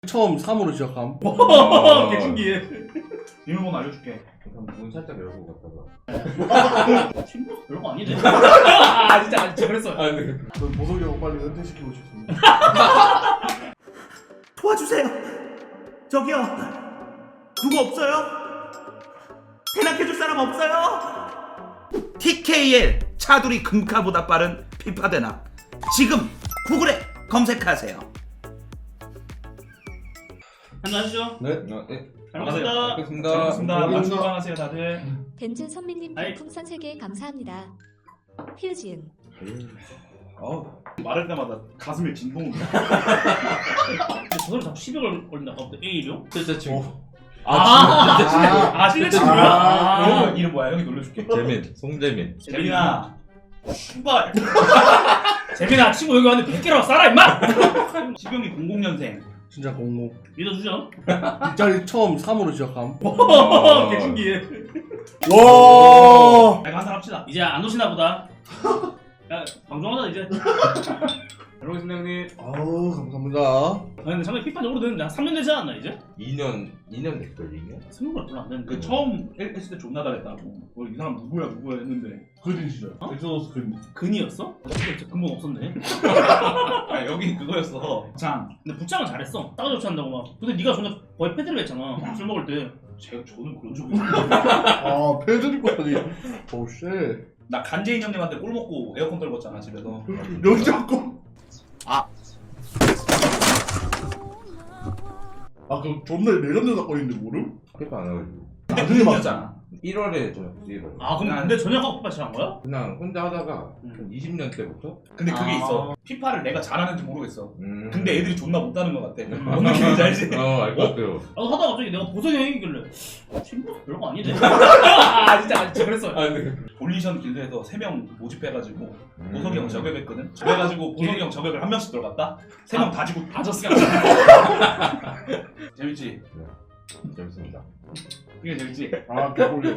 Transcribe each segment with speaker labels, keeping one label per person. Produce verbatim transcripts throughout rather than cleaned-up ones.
Speaker 1: 처음 삼으로 시작함.
Speaker 2: 개 신기해.
Speaker 3: 비밀번호 알려줄게.
Speaker 4: 그럼 문 살짝 열고 갔다가.
Speaker 2: 친구 별거 아니네. 아 진짜 아, 진짜 그랬어.
Speaker 4: 아 근데
Speaker 1: 저 보석이 형 빨리 은퇴시키고 싶습니다.
Speaker 5: 도와주세요. 저기요. 누구 없어요? 대낮해줄 사람 없어요? 티케이엘 차두리 금카보다 빠른 피파 대낮. 지금 구글에 검색하세요.
Speaker 2: 한잔 하시죠.
Speaker 1: 네.
Speaker 4: 어, 네.
Speaker 2: 잘 먹겠습니다.
Speaker 4: 알겠습니다.
Speaker 3: 잘 먹겠습니다.
Speaker 1: 감사합니다.
Speaker 3: 맛 건강하세요 다들.
Speaker 6: 벤츠 선배님
Speaker 2: 아이.
Speaker 6: 별풍선 세 개 감사합니다. 휴지은
Speaker 3: 어 말할 때마다 가슴에 진동이.
Speaker 2: 근데 저걸 자꾸 십여월 걸린다. 어, A요?
Speaker 4: 진짜 친구.
Speaker 2: 아,
Speaker 4: 진짜 친구.
Speaker 2: 아, 실내
Speaker 1: 아,
Speaker 2: 친구야?
Speaker 1: 아,
Speaker 3: 이름,
Speaker 2: 아,
Speaker 3: 이름 뭐야? 형이 놀려줄게.
Speaker 4: 재민, 송재민.
Speaker 3: 재민아. 신발.
Speaker 2: 재민아 친구 여기 왔는데 백 개라고 싸라 임마!
Speaker 3: 시경이 공공년생.
Speaker 1: 진짜 공공.
Speaker 2: 믿어주죠?
Speaker 1: 뒷자리 처음 삼으로 시작함.
Speaker 2: 개 신기해.
Speaker 1: 와.
Speaker 3: 내가 한잔 합시다.
Speaker 2: 이제 안 오시나 보다. 야, 방송하자 이제. 잘 먹겠습니다 형님.
Speaker 1: 아우 감사합니다.
Speaker 2: 아 근데 잠깐 피파 오래됐는데 한 삼 년 되지 않았나 이제?
Speaker 4: 이 년, 이 년 됐걸, 이 년?
Speaker 2: 생각보다 별로 안 됐는데.
Speaker 3: 그 처음 했을 때 존나 잘했다고. 뭐 이 사람 누구야 누구야 했는데.
Speaker 1: 그린 시절.
Speaker 2: 어?
Speaker 1: 엑소더스 그린.
Speaker 2: 근이었어? 진짜 근본 없었네.
Speaker 3: 아 여기 그거였어. 장.
Speaker 2: 근데 붙장은 잘했어. 따가 조치한다고 막. 근데 네가 전에 거의 패드를 했잖아. 술 먹을 때.
Speaker 3: 제가 저는 그런 적이 없어요.
Speaker 1: 아 패드립까지. 오 쉣.
Speaker 3: 나 간재인 형님한테 꿀 먹고 에어컨 떨궜잖아 집에서.
Speaker 1: 여기 자꾸.
Speaker 5: 아.
Speaker 1: 아 그 존나 레전드 사건인데 모름?
Speaker 4: 피파 안 하고.
Speaker 1: 나중에 막.
Speaker 3: 맞잖아.
Speaker 4: 일월에 저녁 일월.
Speaker 2: 아 그럼 근데 저녁하고 피파 시작한 거야?
Speaker 4: 그냥 혼자 하다가
Speaker 2: 음.
Speaker 4: 한 이십 년 때부터?
Speaker 3: 근데 그게
Speaker 2: 아.
Speaker 3: 있어. 피파를 내가 잘하는지 모르겠어.
Speaker 4: 음.
Speaker 3: 근데 애들이 존나 못하는 것 같아. 뭔 느낌인지 알지?
Speaker 4: 어, 알 것 같아요.
Speaker 2: 나도 하다가 갑자기 내가 보석이 형이길래 친구 별거 아니네. 아 진짜 아, 진짜 그랬어.
Speaker 4: 아 근데
Speaker 3: 볼리션 길드에서 세 명 모집해가지고
Speaker 4: 음.
Speaker 3: 보석이 형 저격했거든. 그래가지고 보석이 형 저격을 한 명씩 들어갔다. 세 명 다 지고
Speaker 2: 다 졌어.
Speaker 3: 재밌지?
Speaker 4: 재밌습니다.
Speaker 3: 이게 재밌지?
Speaker 1: 아 개꿀리.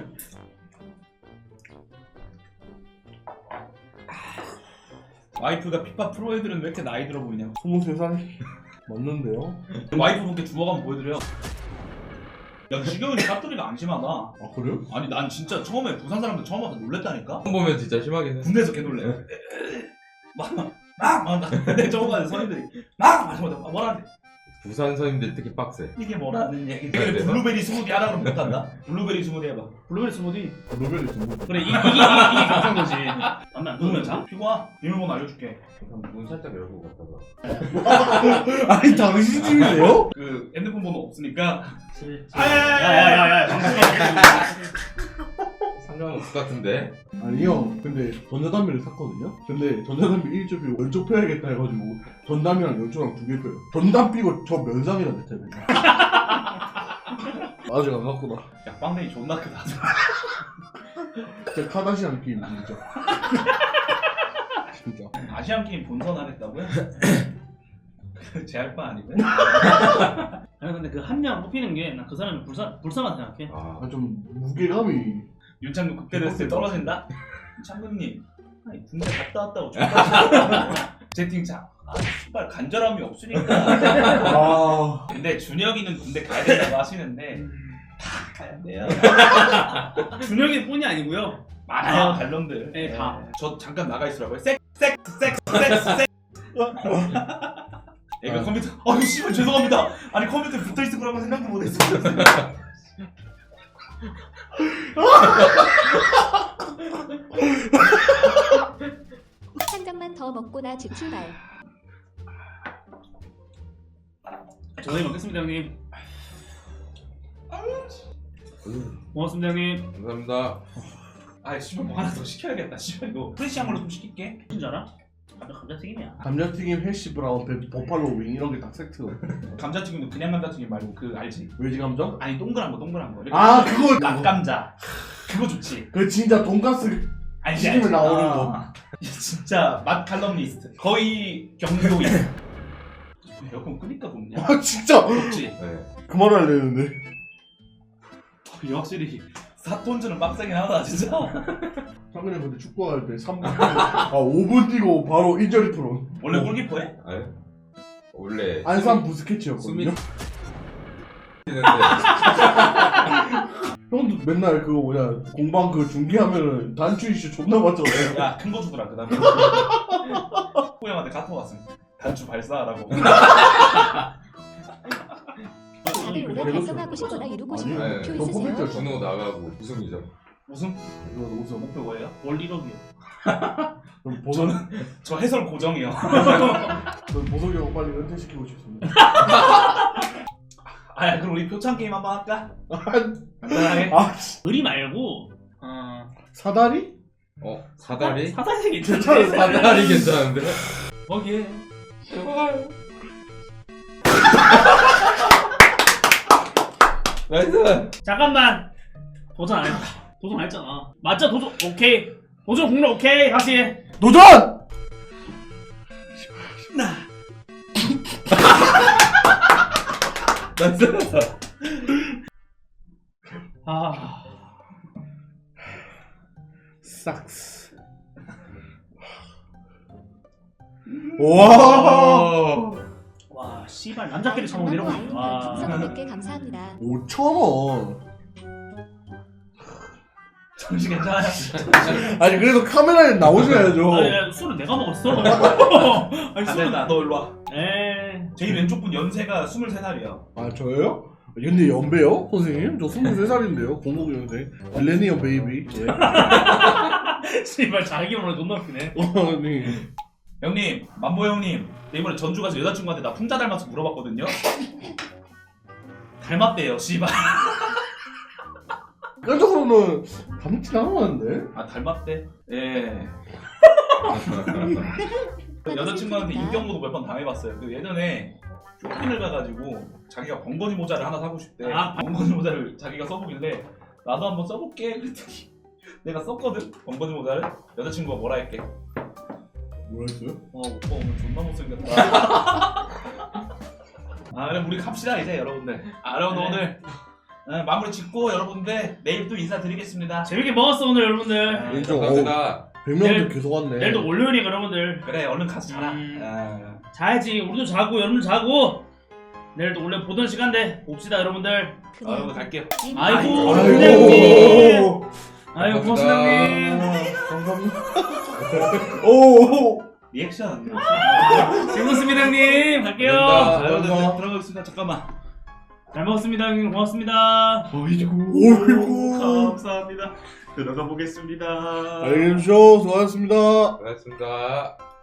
Speaker 3: 와이프가 피파 프로 애들은 왜 이렇게 나이 들어 보이냐?
Speaker 1: 스물세 살. 맞는데요?
Speaker 3: 와이프분께 주워가면 보여드려요. 야, 지경이 사투리가 안 심하다.
Speaker 1: 아 그래요?
Speaker 3: 아니 난 진짜 처음에 부산 사람들 처음 와서 놀랬다니까?
Speaker 4: 처음 보면 진짜 심하긴 해.
Speaker 3: 군대에서 개 놀래. 막막막 근데 저거 가서 선임들이 막 마시마다 뭐라는데
Speaker 4: 부산 선임들 특히 빡세.
Speaker 3: 이게 뭐라는 얘기.
Speaker 4: 네, 네.
Speaker 3: 블루베리 스무디 하라 그러면 못한다. 블루베리 스무디 해봐.
Speaker 2: 블루베리 스무디.
Speaker 1: 노벨이 좀.
Speaker 2: 그래 이, 이, 이, 이게 경상도지. 담배 안 끊으면 자?
Speaker 3: 피고와 비밀번호 알려줄게.
Speaker 4: 그럼 문 살짝 열고 갔다가.
Speaker 1: 아니 당신 집이세요?
Speaker 3: 그 핸드폰 번호 없으니까.
Speaker 2: 야야야야.
Speaker 4: 상관없을 것 같은데.
Speaker 1: 아니 형 근데 전자담배를 샀거든요? 근데 전자담배 일조 피고 왼쪽 펴야겠다 해가지고 전담이랑 연초랑 두 개 펴요. 전담 피고 저 면상이라 대체네. 아직 안 갔구나.
Speaker 3: 야 빵댕이 존나 크다.
Speaker 1: 진짜 카다시안 게임 진짜. 진짜.
Speaker 3: 아시안 게임 본선 하겠다고요? 제할 바 아니고요?
Speaker 2: 아니 근데 그 한 명 뽑히는 게 난 그 사람이 불쌍 불쌍하다 생각해.
Speaker 4: 아,
Speaker 1: 아, 좀 무게감이.
Speaker 3: 윤창국 극대로 했을 때 떨어진다? 창근님 아니 군대 갔다 왔다고 존나 채팅창 아 씨발 간절함이 없으니까.
Speaker 1: 아.
Speaker 3: 근데 준혁이는 군대 가야 된다고 하시는데 다 가야 돼요.
Speaker 2: 준혁이 뿐이 아니고요.
Speaker 3: 많아요 반론들.
Speaker 2: 네, 다.
Speaker 3: 저 잠깐 나가 있으라고요. 섹섹섹섹섹 애가 컴퓨터 아유 씨발 죄송합니다. 아니 컴퓨터에 붙어있을 거라고 생각도 못했어요.
Speaker 6: 한 잔만 더 먹고 나 집 출발.
Speaker 2: 저희 먹겠습니다 형님. 고맙습니다 형님.
Speaker 4: 감사합니다.
Speaker 3: 아 씨발 뭐 하나 더 시켜야겠다. 씨발 이거 프레시한 걸로 좀 시킬게.
Speaker 2: 무슨 줄 알아? 감자 감자튀김이야.
Speaker 1: 감자튀김, 해시 브라운, 배- 버팔로 윙 이런 게 딱 세트로.
Speaker 3: 감자튀김도 그냥 감자튀김 말고 그 알지?
Speaker 1: 외지 감자?
Speaker 3: 아니 동그란 거 동그란 거. 이렇게
Speaker 1: 아 그거.
Speaker 3: 낙감자. 그거 좋지.
Speaker 1: 그 진짜 돈가스.
Speaker 3: 알지
Speaker 1: 튀김에
Speaker 3: 알지.
Speaker 1: 나오는
Speaker 3: 아,
Speaker 1: 거.
Speaker 3: 진짜 맛 칼럼니스트. 거의 경도인. 에어컨 끄니까 덥냐?
Speaker 1: 아 진짜.
Speaker 3: 덥지.
Speaker 4: 네.
Speaker 1: 그만하려는데.
Speaker 3: 이게 확실히 사톤즈는 빡세긴 하다 진짜.
Speaker 1: 상근이 근데 축구할 때 삼 분. 아 오 분 뛰고 바로 인저리 프론.
Speaker 3: 원래
Speaker 1: 어.
Speaker 3: 골키퍼해?
Speaker 4: 아유? 원래
Speaker 1: 안산 부스케치였거든요.
Speaker 4: 수미- 했는데
Speaker 1: 형도 맨날 그거 뭐냐 공방 그 중계하면은 단추 이슈 존나 많잖아요.
Speaker 3: 야 큰 거 주더라 그 다음에 호 형한테 카톡 왔음 단추 발사하라고.
Speaker 6: 답을 오래 달성하고 싶거나 이루고 싶은
Speaker 1: 아니,
Speaker 6: 목표
Speaker 1: 저
Speaker 6: 있으세요?
Speaker 1: 포맷이었죠.
Speaker 4: 전우 나가고 우승이죠.
Speaker 3: 무슨
Speaker 1: 이거 우선
Speaker 3: 목표 뭐예요?
Speaker 2: 월 일억이요.
Speaker 1: 그럼 보석
Speaker 3: 저 해설 고정이요.
Speaker 1: 저는 보석이 형 빨리 은퇴시키고 싶습니다.
Speaker 3: 아 그럼 우리 표창 게임 한번 할까? 간단하게.
Speaker 1: 아 씨.
Speaker 2: 의리 말고
Speaker 3: 어...
Speaker 1: 사다리?
Speaker 4: 어 사다리?
Speaker 2: 사다리
Speaker 1: 괜찮아,
Speaker 2: 괜찮은데.
Speaker 4: 사다리 괜찮은데?
Speaker 3: 거기에
Speaker 4: 나이스.
Speaker 2: 잠깐만. 도전 안 했다. 도전 안 했잖아. 맞죠? 도전 오케이. 도전 공략 오케이. 다시.
Speaker 1: 도전!
Speaker 4: 나이스.
Speaker 2: 아.
Speaker 1: 삭스. 와.
Speaker 2: 와, 씨발 남자끼리 처먹는 이런 거. 와.
Speaker 6: 삼백 개 감사합니다.
Speaker 1: 오천 원.
Speaker 3: 정신 괜찮아요?
Speaker 1: 아니 그래도 카메라에 나오셔야죠.
Speaker 2: 아니, 아니, 술은 내가 먹었어. 아니,
Speaker 3: 안
Speaker 2: 술은
Speaker 3: 된다 너 일로 와.
Speaker 2: 에.
Speaker 3: 제일 왼쪽 분 연세가 스물세 살이야.
Speaker 1: 아 저요? 근데 연배요? 선생님? 저 스물세 살인데요. 공공연생. 밀레니엄 베이비. 예.
Speaker 2: 씨발 자기 오늘 존나 웃기네.
Speaker 1: 아니.
Speaker 3: 형님 만보 형님 내 이번에 전주 가서 여자친구한테 나 풍자 닮아서 물어봤거든요. 닮았대요 씨발.
Speaker 1: 깜짝으로는 닮진 않았는데?
Speaker 3: 아 닮았대? 예. 여자친구한테 인격모독 몇 번 당해봤어요. 그 예전에 쇼핑을 가가지고 자기가 번거지 모자를 하나 사고 싶대.
Speaker 2: 아.
Speaker 3: 번거지 모자를 자기가 써보길래 나도 한번 써볼게 그랬더니 내가 썼거든 번거지 모자를. 여자친구가 뭐라 했게?
Speaker 1: 뭐라 했어요?
Speaker 3: 어 오빠 오늘 존나 못생겼다. 아 그럼 우리 갑시다 이제 여러분들. 아 여러분
Speaker 2: 네.
Speaker 3: 오늘 어, 마무리 짓고 여러분들 내일 또 인사드리겠습니다.
Speaker 2: 재밌게 먹었어 오늘 여러분들.
Speaker 3: 아,
Speaker 1: 인정.
Speaker 4: 감사합니다.
Speaker 1: 백 명도
Speaker 2: 내일-
Speaker 1: 계속 왔네.
Speaker 2: 내일도 월요일이니까 여러분들
Speaker 3: 그래 얼른 가서 자라.
Speaker 2: 음.
Speaker 3: 아,
Speaker 2: 자야지. 우리도 자고 여러분도 자고. 내일도 원래 보던 시간대 봅시다 여러분들.
Speaker 3: 아, 여러분 갈게요.
Speaker 2: 아이고,
Speaker 1: 아이고.
Speaker 2: 아이고 고맙습니다 형님.
Speaker 1: 감사합니다. 오.
Speaker 3: 리액션.
Speaker 2: 즐거웠습니다 형님. 갈게요.
Speaker 4: 감사합니다.
Speaker 3: 아, 여러분들
Speaker 1: 감사합니다.
Speaker 3: 들어가겠습니다. 잠깐만.
Speaker 2: 잘 먹었습니다 형님. 고맙습니다.
Speaker 1: 어이구.
Speaker 3: 감사합니다. 들어가 보겠습니다.
Speaker 1: 알겠죠. 수고하셨습니다.
Speaker 4: 고맙습니다.